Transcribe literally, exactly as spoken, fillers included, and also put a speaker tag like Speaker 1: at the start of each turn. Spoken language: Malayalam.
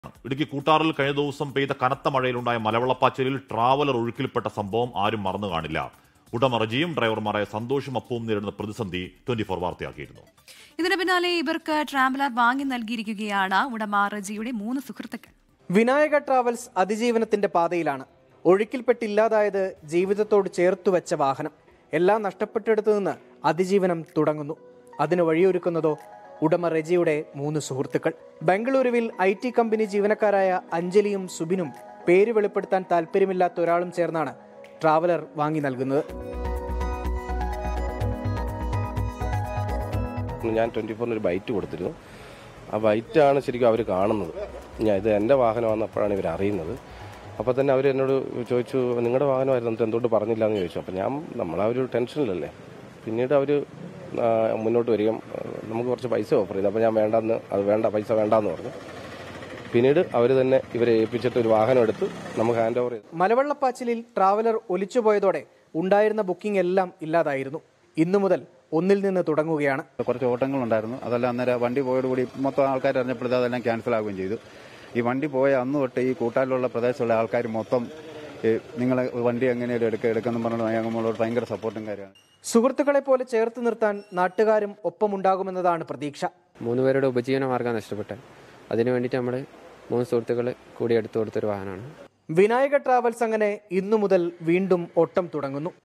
Speaker 1: ഇടുക്കി കൂട്ടാറിൽ കഴിഞ്ഞ ദിവസം പെയ്ത കനത്ത മഴയിലുണ്ടായ മലവെള്ളപ്പാച്ചിലിൽ ട്രാവലർ ഒഴുക്കിൽപ്പെട്ട സംഭവം ആരും മറന്നു കാണില്ല. ഉടമ റജിയും ഡ്രൈവർമാരായ സന്തോഷും അപ്പവും നേരിടുന്ന പ്രതിസന്ധി ട്വന്റി ഫോർ വാർത്തയാക്കിയിരുന്നു.
Speaker 2: ഇതിന് പിന്നാലെ ഇവർക്ക് ട്രാവലർ വാങ്ങി നൽകിയിരിക്കുകയാണ് ഉടമ റജിയുടെ മൂന്ന് സുഹൃത്തുക്കൾ.
Speaker 3: വിനായക ട്രാവൽസ് അതിജീവനത്തിന്റെ പാതയിലാണ്. ഒഴുക്കിൽപ്പെട്ടില്ലാതായത് ജീവിതത്തോട് ചേർത്തുവെച്ച വാഹനം. എല്ലാം നഷ്ടപ്പെട്ടെടുത്തു നിന്ന് അതിജീവനം തുടങ്ങുന്നു. അതിന് വഴിയൊരുക്കുന്നതോ ഉടമ റജിയുടെ മൂന്ന് സുഹൃത്തുക്കൾ. ബംഗളൂരുവിൽ ഐ ടി കമ്പനി ജീവനക്കാരായ അഞ്ജലിയും സുബിനും പേര് വെളിപ്പെടുത്താൻ താല്പര്യമില്ലാത്ത ഒരാളും ചേർന്നാണ് ട്രാവലർ വാങ്ങി നൽകുന്നത്.
Speaker 4: ഞാൻ ട്വൻറ്റി ഫോറിന് ഒരു ബൈറ്റ് കൊടുത്തിരുന്നു. ആ ബൈറ്റാണ് ശരിക്കും അവർ കാണുന്നത്. ഞാൻ ഇത് എൻ്റെ വാഹനമാണെന്നപ്പോഴാണ് ഇവർ അറിയുന്നത്. അപ്പോൾ തന്നെ അവർ എന്നോട് ചോദിച്ചു, നിങ്ങളുടെ വാഹനമായിരുന്നു, എന്നിട്ട് എന്തുകൊണ്ട് പറഞ്ഞില്ല എന്ന് ചോദിച്ചു. അപ്പോൾ ഞാൻ നമ്മളാ ഒരു ടെൻഷനിലല്ലേ. പിന്നീട് അവർ മുന്നോട്ട് വരികയും നമുക്ക് കുറച്ച് പൈസ ഓഫർ ചെയ്തു. അപ്പോൾ ഞാൻ വേണ്ടെന്ന് അത് വേണ്ട പൈസ വേണ്ടെന്ന് പറഞ്ഞു. പിന്നീട് അവർ തന്നെ ഇവരെ ഏൽപ്പിച്ചിട്ട് ഒരു വാഹനം എടുത്ത് നമുക്ക് ഹാൻഡ് ഓവർ ചെയ്തു.
Speaker 3: മലവെള്ളപ്പാച്ചിലിൽ ട്രാവലർ ഒലിച്ചുപോയതോടെ ഉണ്ടായിരുന്ന ബുക്കിംഗ് എല്ലാം ഇല്ലാതായിരുന്നു. ഇന്നു മുതൽ ഒന്നിൽ നിന്ന് തുടങ്ങുകയാണ്.
Speaker 5: കുറച്ച് ഓട്ടങ്ങളുണ്ടായിരുന്നു. അതെല്ലാം അന്നേരം വണ്ടി പോയതോടുകൂടി മൊത്തം ആൾക്കാർ അറിഞ്ഞപ്പോഴത്തെ അതെല്ലാം ക്യാൻസൽ ആവുകയും ചെയ്തു. ഈ വണ്ടി പോയ അന്ന് തൊട്ട് ഈ കൂട്ടാലിലുള്ള പ്രദേശത്തുള്ള ആൾക്കാർ മൊത്തം നിങ്ങളെ വണ്ടി എങ്ങനെയും എടുക്കുക എടുക്കുന്നു പറഞ്ഞു ഞങ്ങളോട് ഭയങ്കര സപ്പോർട്ടും കാര്യമാണ്.
Speaker 3: സുഹൃത്തുക്കളെ പോലെ ചേർത്ത് നിർത്താൻ നാട്ടുകാരും ഒപ്പമുണ്ടാകുമെന്നതാണ് പ്രതീക്ഷ.
Speaker 6: മൂന്ന് പേരുടെ ഉപജീവന മാർഗ്ഗം നഷ്ടപ്പെട്ടെ. അതിനു വേണ്ടിയിട്ട് നമ്മൾ മൂന്ന് സുഹൃത്തുക്കൾ കൂടി എടുത്തു കൊടുത്തൊരു വാഹനമാണ്
Speaker 3: വിനായക ട്രാവൽസ്. അങ്ങനെ ഇന്നു മുതൽ വീണ്ടും ഓട്ടം തുടങ്ങുന്നു.